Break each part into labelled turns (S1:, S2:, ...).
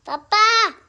S1: पप्पा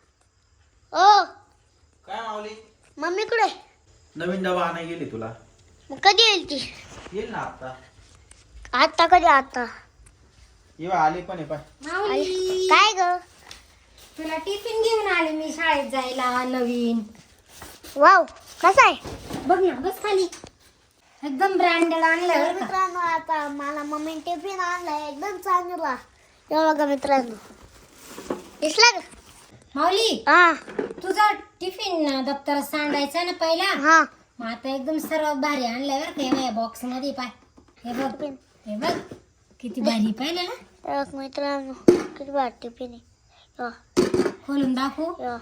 S1: ओ
S2: काय मावली?
S1: मम्मी कुठे?
S2: नवीन डबा आणाय गेली तुला.
S1: मग कधी येईल ती?
S2: येईल ना आता.
S1: आता कधी? आता
S2: येवा आली पण आहे पाय.
S3: माऊली,
S1: काय ग?
S3: तुला टिफिन घेऊन आले मी शाळेत जायला नवीन.
S1: वाव, कसा आहे?
S3: बघ ना, बस खाली. एकदम ब्रँडेड आणलं बरं का.
S1: मित्रांनो, आता मला मम्मी टिफिन आणलाय एकदम चांगला. हे बघा मित्रांनो, दिसला का?
S3: माऊली,
S1: हा
S3: तुझा टिफिन दप्तर सांडायचा ना पहिला.
S1: हा
S3: मग आता एकदम सर्व भारी आणलंय बरं का. या बॉक्स मध्ये पाय. हे बघ, हे बघ किती भारी पाहिलं ना.
S1: हे बघ मित्रांनो, किती भारी टिफिन आहे.
S3: खोलून दाखवू.
S1: हे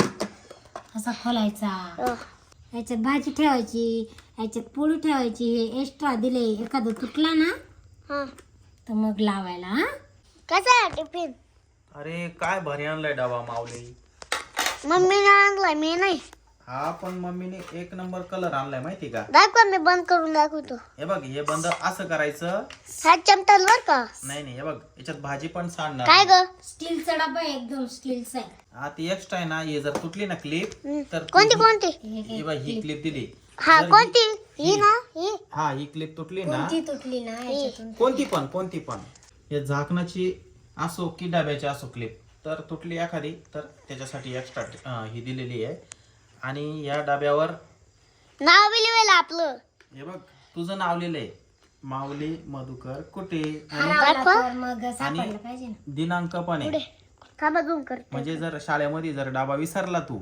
S3: असा खोलायचा. याच्यात भाजी ठेवायची, याच्यात पोळी ठेवायची. हे एक्स्ट्रा दिले, एखादं तुटला ना
S1: हा
S3: तर मग लावायला. हा,
S1: कसा आहे टिफिन?
S2: अरे काय भारी आणलाय डबा माऊली.
S1: मम्मीने आणलाय, मी नाही.
S2: हा पण मम्मीने एक नंबर कलर आणलाय माहिती का?
S1: दाखवा, मी बंद करून दाखवतो.
S2: हे बघ, हे बंद असं करायचं.
S1: हा चमचा बर का?
S2: नाही हे बघ, याच्यात भाजी पण सांडणार.
S1: काय ग?
S3: स्टीलचा डबा आहे, एकदम स्टीलचा आहे.
S2: हा ती एक्स्ट्रा आहे ना. हे जर तुटली ना क्लिप तर
S1: कोणती कोणती?
S2: ही बघ, ही क्लिप दिली.
S1: हा
S2: जर
S1: कोणती? ही ना ही?
S2: हा ही क्लिप तुटली ना.
S3: कोणती तुटली ना याच्यातून.
S2: कोणती पण हे झाकणाची असो की डब्याची असो क्लिप तर तुटली एखादी तर त्याच्यासाठी एक्स्ट्रा ही दिलेली आहे. आणि या डब्यावर
S1: नाव बी लिहिलं आपलं.
S2: हे बघ तुझं नाव लिहिलंय, माऊली मधुकर कुटे. आणि
S3: हरवला तर मग सापडलं पाहिजे ना.
S2: दिनांक पण आहे.
S1: थांबा झूम कर.
S2: म्हणजे जर शाळेमध्ये जर डबा विसरला तू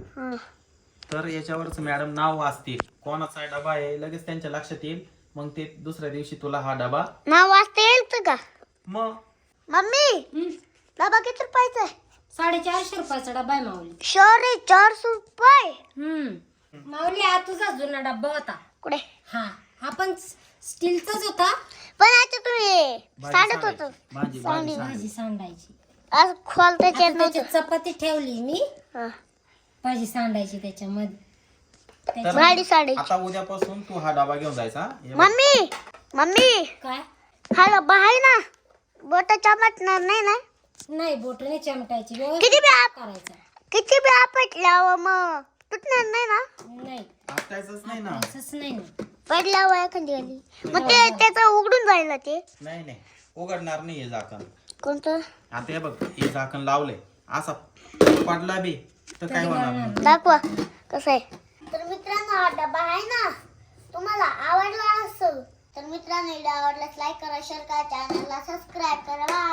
S2: तर याच्यावरच मॅडम नाव वाचतील कोणाचा डबा आहे, लगेच त्यांच्या लक्षात येईल. मग ते दुसऱ्या दिवशी तुला हा डबा
S1: नाव वाचता येईल का?
S2: मग
S1: मम्मी, डबा किती रुपयाचा आहे?
S3: 450 रुपयाचा डबा आहे माऊली.
S1: सॉरी, 400 रुपये.
S3: माऊली, हा तुझा जुना डब्बा होता.
S1: कुठे?
S3: हा पण स्टीलचाच होता.
S1: पण आता तुम्ही
S2: भाजी
S1: सांडत होतो.
S2: भाजी
S3: भाजी सांडायची.
S1: आज खोल त्याच्यात
S3: आता त्याच्यात चपाती ठेवली मी.
S1: हा.
S3: भाजी सांडायची त्याच्यामध्ये.
S2: तर
S1: भाजी साडी.
S2: आता उद्यापासून तू हा डबा घेऊन जायचा. हे बघ.
S1: मम्मी
S3: काय?
S1: हा डबा आहे ना, बोट चमटणार नाही ना?
S3: नाही, बोटने चमटायची.
S1: किती
S3: व्यवस्थित
S1: बी
S3: करायचं.
S1: किती बी आपटल्यावर मग तुटणार नाही ना?
S3: नाही,
S2: आपटायचंच नाही ना.
S3: असंच नाही ना.
S1: पडल्यावर एखादी आली मग ते त्याचं उघडून जाईल ना ते.
S2: नाही उघडणार नाही हे झाकण.
S1: कोणतं?
S2: आता हे बघ, हे झाकण लावलंय असा पडला बी तर काय होणार नाही.
S1: दाखवा कसं आहे. तर मित्रांनो, हा डबा आहे ना, तुम्हाला आवडला असेल तर मित्रांनो, व्हिडिओ आवडल्यास लाईक करा, शेअर करा, चॅनलला सबस्क्राईब करा.